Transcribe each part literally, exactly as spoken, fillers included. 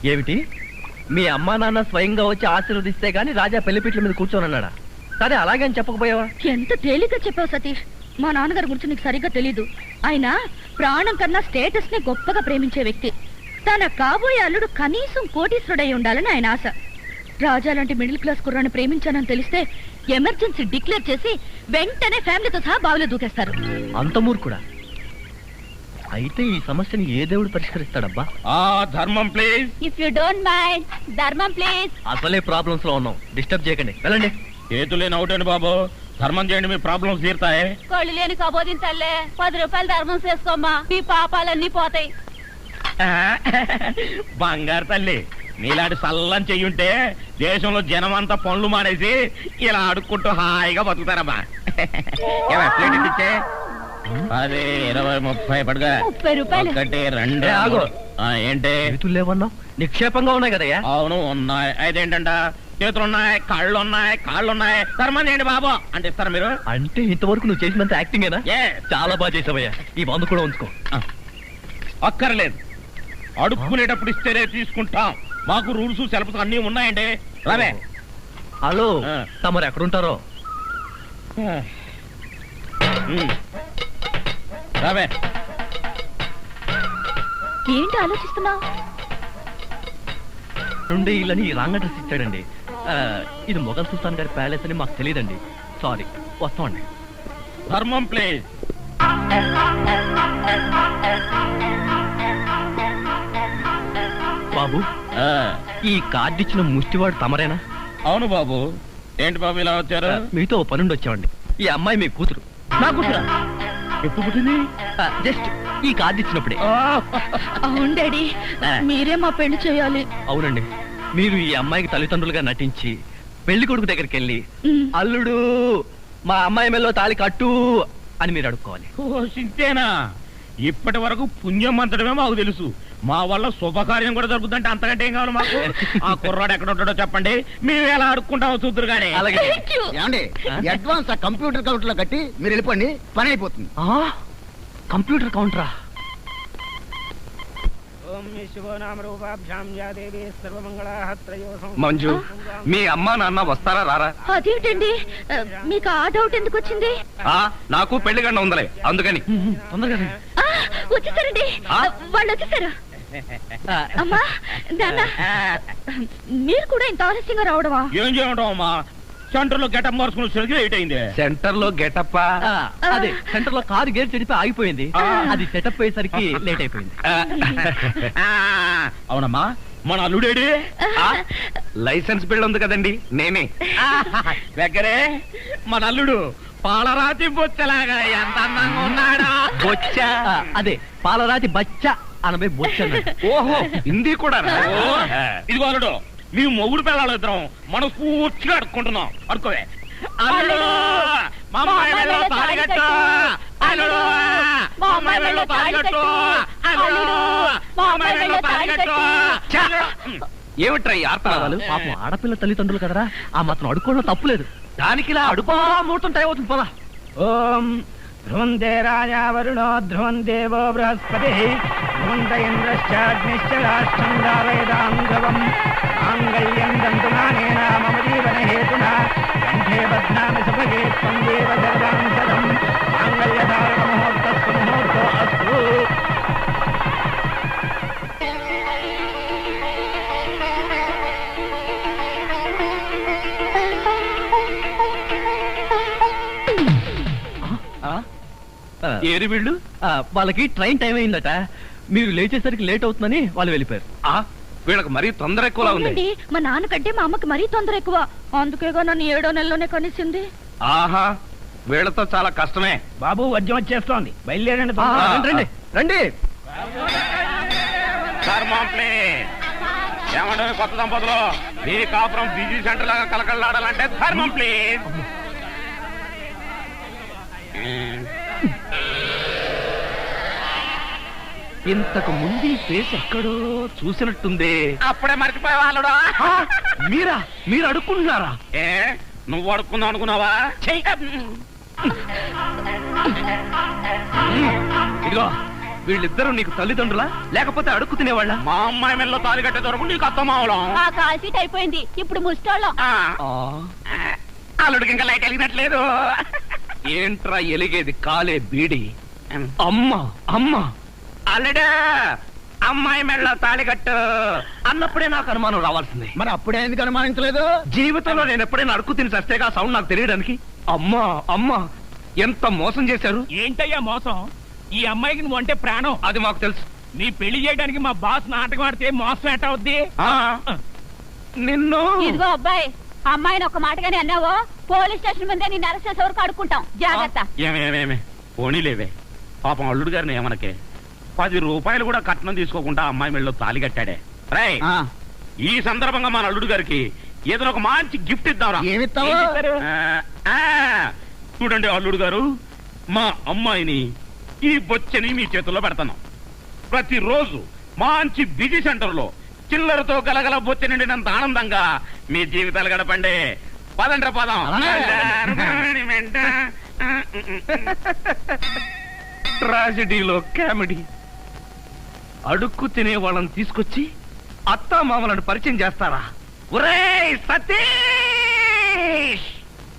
ఏమిటి మీ అమ్మా నాన్న స్వయంగా వచ్చి ఆశీర్వదిస్తే గాని రాజా పెళ్లిపీట్ల మీద కూర్చోనన్నాడా? సరే అలాగే అని చెప్పకపోయావా? ఎంత తేలిగ్గా చెప్పావు సతీష్. మా నాన్నగారి గురించి నీకు సరిగ్గా తెలీదు. ఆయన ప్రాణం కన్నా స్టేటస్ ని గొప్పగా ప్రేమించే వ్యక్తి. తన కాబోయే అల్లుడు కనీసం కోటీశ్వరుడై ఉండాలని ఆయన ఆశ. రాజా లాంటి మిడిల్ క్లాస్ కుర్రాన్ని ప్రేమించానని తెలిస్తే ఎమర్జెన్సీ డిక్లేర్ చేసి వెంటనే ఫ్యామిలీతో సహా బావిలో దూకేస్తారు. అంత మూర్ఖుడా? అయితే ఈ సమస్యని ఏ దేవుడు పరిష్కరిస్తాడబ్బా? ఆ ధర్మం please. If you don't mind, ధర్మం ప్లీజ్. అసలే ప్రాబ్లమ్స్ లో ఉన్నాం, డిస్టర్బ్ చేయకండి, వెళ్ళండి. చేతులేని అవుటండి బాబు, ధర్మం చేయండి, మీ ప్రాబ్లమ్స్ తీరుతాయి. కళ్ళు లేని కబోదిన తల్లే, పది రూపాయలు ధర్మం చేసుకోమ్మా, మీ పాపాలన్నీ పోతాయి. బంగారు తల్లి, నీలాంటి సల్లం చెయ్యుంటే దేశంలో జనం అంతా పనులు మానేసి ఇలా అడుక్కుంటూ హాయిగా బతుకుతారమ్మా. ఇచ్చే పది ఇరవై ముప్పై పడుగా ముప్పై రూపాయలు. ఒకటి రెండు ఆగు. ఏంటి చేతులు లేవన్నావు? నిక్షేపంగా ఉన్నాయి కదయ్యా. అవును ఉన్నాయి. అయితేంటంట చేతులు ఉన్నాయి, కాళ్ళు ఉన్నాయి, కాళ్ళు ఉన్నాయి. ధర్మం చేయండి బాబు అంటే ఇస్తారా మీరు? అంటే ఇంతవరకు నువ్వు చేసినంత యాక్టింగేనా? చాలా బాగా చేసావయ్యా. ఈ మందు కూడా ఉంచుకో. అక్కర్లేదు, అడుక్కునేటప్పుడు ఇస్తేనే తీసుకుంటాం. మాకు రూల్స్ సెలబ్స్ అన్ని ఉన్నాయండి. రావే. హలో, తమరు ఎక్కడుంటారో? రావే. ఏంటి ఆలోచిస్తున్నావు? నుండి ఇల్లని రాంగ్ అడ్రస్ ఇచ్చాడండి. ఇది మొఘల్ సుల్తాన్ గారి ప్యాలెస్ అని మాకు తెలియదండి. సారీ, వస్తామండి. ధర్మం ప్లీజ్. బాబు, ఈ కార్డు ఇచ్చిన ముష్టివాడు తమరేనా? అవును బాబు. ఏంటి బాబు ఇలా వచ్చారు? మీతో పనుండి వచ్చామండి. ఈ అమ్మాయి మీ కూతురు. నా కూతురా? ఎప్పుడు పుట్టింది? జస్ట్ ఈ కార్డు ఇచ్చినప్పుడే. అవును డాడీ, మీరే మా పెళ్లి చేయాలి. అవునండి, మీరు ఈ అమ్మాయికి తల్లిదండ్రులుగా నటించి పెళ్లి కొడుకు దగ్గరికి వెళ్ళి అల్లుడు మా అమ్మాయి మెల్లో తాళి కట్టు అని మీరు అడుక్కోవాలి. ఓ సింతేనా? ఇప్పటి వరకు పుణ్యం అంతటమే మాకు తెలుసు. మా వల్ల శుభకార్యం కూడా జరుగుతుందంటే అంతకంటే ఏం కావాలి మాకు? ఆ కుర్రాడు ఎక్కడ ఉంటాడో చెప్పండి, మేము ఎలా అడుక్కుంటామో చూద్దరు కానీ. అడ్వాన్స్ ఆ కంప్యూటర్ కౌంటర్ లో కట్టి మీరు వెళ్ళిపోండి, పని అయిపోతుంది. కంప్యూటర్ కౌంటరా? మంజు, మీ అమ్మా నాన్న వస్తారా రారా? అదేంటండి, మీకు ఆ డౌట్ ఎందుకు వచ్చింది? నాకు పెళ్లి గంట ఉందలే, అందుకని. తొందరగా వచ్చేసారండి, వాళ్ళు వచ్చేసారు. అమ్మా నాన్న, మీరు కూడా ఇంత ఆలస్యంగా రావడమా? ఏం చేయడం అమ్మా, సెంటర్ లో గెటప్ మార్చుకుని వచ్చేసరికి లేట్ అయింది. సెంటర్ లో గెటప్? అదే, సెంటర్ లో కారు గేర్ చెడిపి ఆగిపోయింది. అది సెటప్ అయ్యేసరికి లేట్ అయిపోయింది. అవునమ్మా, మన అల్లుడేడి? లైసెన్స్ బిల్ ఉంది కదండి, నేనే. దగ్గరే మన అల్లుడు పాలరాతి బొచ్చలాగా ఎంత అందంగా ఉన్నాడా? బొచ్చ? అదే, పాలరాతి బచ్చ అనబై బొచ్చ. ఓహో, హిందీ కూడా. ఇదిగో అల్లుడు, మీ మొగుడు పిల్లలు ఇద్దరం మనం పూర్తిగా అడుక్కుంటున్నాం. అడుకోవే. అల్లుడు, మా అమ్మాయి వెళ్ళో తాళిగట్టు. అల్లుడు, మా అమ్మాయి వెళ్ళో తాళిగట్టు. అల్లుడు, మా అమ్మాయి వెళ్ళో తాళిగట్టు. ఏమిట్రా ఈ ఆర్తనాదాలు? పాపం ఆడపిల్ల తల్లిదండ్రులు కదరా, ఆ మాత్రం అడుక్కోవడం తప్పులేదు. దానికి ఇలా అడుపా ముహూర్తం టైం అవుతుంది. పదా. ఓం ధ్రువందే రాజా వరుణో ధ్రువం దేవో బృహస్పతి ధ్రువంత ఇంద్రశ్చాగ్నిశ్చ రాష్ట్రం దారయదాం ధ్రువం మాంగళ్యం దంతునానేన మమ జీవన హేతునా కంఠే బధ్నామి సుభగే త్వం దేవ జగదాం సదం మాంగళ్యధారణ ముహూర్తస్సు ముహూర్తో అస్తు. ఏరి వీళ్ళు వాళ్ళకి ట్రైన్ టైం అయిందట. మీరు లేచేసరికి లేట్ అవుతుందని వాళ్ళు వెళ్ళిపోయారు. వీళ్ళకి మరీ తొందర ఎక్కువలా ఉంది. మా నాన్నకంటే మా అమ్మకి మరీ తొందర ఎక్కువ, అందుకేగా నన్ను ఏడో నెలలోనే కనిసింది. ఆహా, వీళ్ళతో చాలా కష్టమే. బాబు, వద్యం వచ్చేస్తోంది, బయలుదేరండి. రండి రండి. ఏమంటే కొత్త దంపతులు, మీ కాపురం బిజీ సెంటర్ లాగా కలకలాడాలంటే ధర్మం ప్లీజ్. ఇంతకు ముందు ఈ ఫేస్ ఎక్కడో చూసినట్టుంది. అప్పుడే మర్చిపోయే వాళ్ళుడా? మీరా? మీరు అడుక్కుంటున్నారా? ఏ, నువ్వు అడుక్కుందాం అనుకున్నావా? ఇదిగో, వీళ్ళిద్దరూ నీకు తల్లిదండ్రులా లేకపోతే అడుక్కు తినేవాళ్ళ? మా అమ్మాయి మెల్లో తాలి కట్టే దొరకు నీకు అత్తమావలం. ఆ కాల్ సీట్ అయిపోయింది, ఇప్పుడు ముస్టోళ్ళం. అల్లుడికి ఇంకా లైట్ వెలిగినట్లేదు. ఏంట్రా ఎలిగేది కాలే బీడి? అమ్మ అమ్మ అల్లుడు అమ్మాయి మెళ్ళో తాళి కట్టు అన్నప్పుడే నాకు అనుమానం రావాల్సింది. మరి అప్పుడే ఎందుకు అనుమానించలేదు? జీవితంలో నేను ఎప్పుడైనా అడుక్కు తిని చస్తేగా సౌండ్ నాకు తెలియడానికి. అమ్మా అమ్మా ఎంత మోసం చేశారు. ఏంటయ్యా మోసం? ఈ అమ్మాయికి నువ్వు అంటే ప్రాణం. అది మాకు తెలుసు. నీ పెళ్లి చేయడానికి మా బాస్ నాటకం ఆడితే మోసం ఎట్ట అవుద్ది? నిన్ను ఇదిగో అబ్బాయి, అమ్మాయిని ఒక మాటగానే అన్నావో పోలీస్ స్టేషన్ ముందే నేను అరెస్ట్ చేసే వరకు అడుక్కుంటాం. జాగ్రత్త. ఏమేమేమే పోనీలేవే, పాపం అల్లుడు గారిని ఏమనకే. పది రూపాయలు కూడా కట్నం తీసుకోకుండా అమ్మాయి మెళ్ళలో తాలి కట్టాడే. రై ఆ, ఈ సందర్భంగా మన అల్లుడు గారికి ఏదైనా ఒక మంచి గిఫ్ట్ ఇద్దాంరా. ఏమిస్తావు? ఆ, ఆ, చూడండి అల్లుడు గారు, మా అమ్మాయిని ఈ బొచ్చని మీ చేతుల్లో పెడతాను. ప్రతిరోజు మంచి బిజీ సెంటర్ లో చిల్లరతో గలగల బొచ్చ నిండినంత ఆనందంగా మీ జీవితాలు గడపండి. పదండ్ర పదం. ట్రాజడీలో కామెడీ. అడుక్కు తినే వాళ్ళని తీసుకొచ్చి అత్తా మామలను పరిచయం చేస్తారా? ఒరేయ్ సతీష్!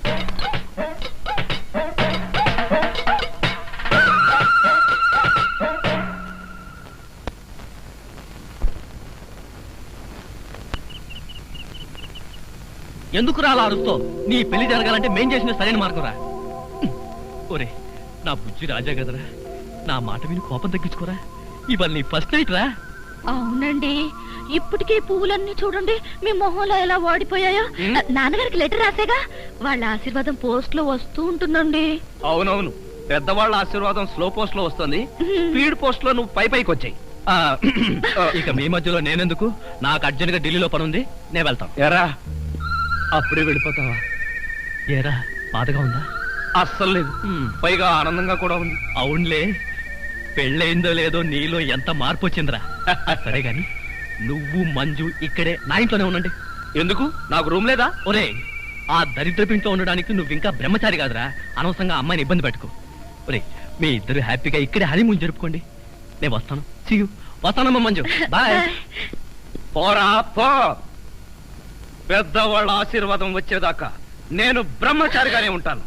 ఎందుకు రాలా అరుస్తో? నీ పెళ్లి జరగాలంటే మేం చేసిన సరైన మార్గం రా. ఒరే నా బుజ్జి రాజా కదరా, నా మాట విని కోపం తగ్గించుకోరా. ఇవాళ నీ ఫస్ట్ నైట్ రా. అవునండి, ఇప్పటికే పువ్వులన్నీ చూడండి మీ మొహంలో ఎలా వాడిపోయాయో. నాన్నగారికి లెటర్ రాసేగా, వాళ్ళ ఆశీర్వాదం పోస్ట్ లో వస్తూ ఉంటుందండి. అవునవును, పెద్దవాళ్ళ ఆశీర్వాదం స్లో పోస్ట్ లో వస్తుంది, స్పీడ్ పోస్ట్ లో నువ్వు పై పైకి వచ్చాయి. ఇక మీ మధ్యలో నేనెందుకు? నాకు అర్జెంట్ గా ఢిల్లీలో పని ఉంది, నేను వెళ్తాను. ఎరా అప్పుడే వెళ్ళిపోతావా? ఏరా బాధగా ఉందా? అస్సలు లేదు, పైగా ఆనందంగా కూడా ఉంది. అవునులే, పెళ్ళయిందో లేదో నీలో ఎంత మార్పు వచ్చిందిరా. సరే గాని నువ్వు మంజు ఇక్కడే నా ఇంట్లోనే ఉండండి. ఎందుకు? నాకు రూమ్ లేదా? ఒరే ఆ దరిద్రపింట్లో ఉండడానికి నువ్వు ఇంకా బ్రహ్మచారి కాదురా, అనవసరంగా అమ్మాయిని ఇబ్బంది పెట్టుకో. ఒరే మీ ఇద్దరు హ్యాపీగా ఇక్కడే హనీమూన్ జరుపుకోండి. నేను వస్తాను. See you. వస్తానమ్మా మంజు, బాయ్. పోరా పో. పెద్దవాళ్ళ ఆశీర్వాదం వచ్చేదాకా నేను బ్రహ్మచారిగానే ఉంటాను.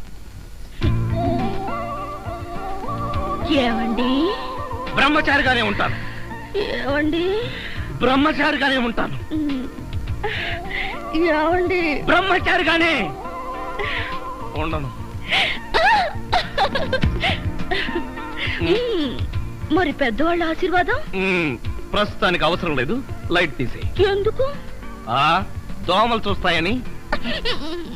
ఏమండి? బ్రహ్మచారిగానే ఉంటాను. ఏమండి? బ్రహ్మచారిగానే ఉంటాను. ఏమండి? బ్రహ్మచారిగానే ఉండను. మరి పెద్దవాళ్ళ ఆశీర్వాదం మ్మ్, ప్రస్తుతానికి అవసరం లేదు. లైట్ తీసేయి. ఎందుకు? ఆ దోమలు చూస్తాయని.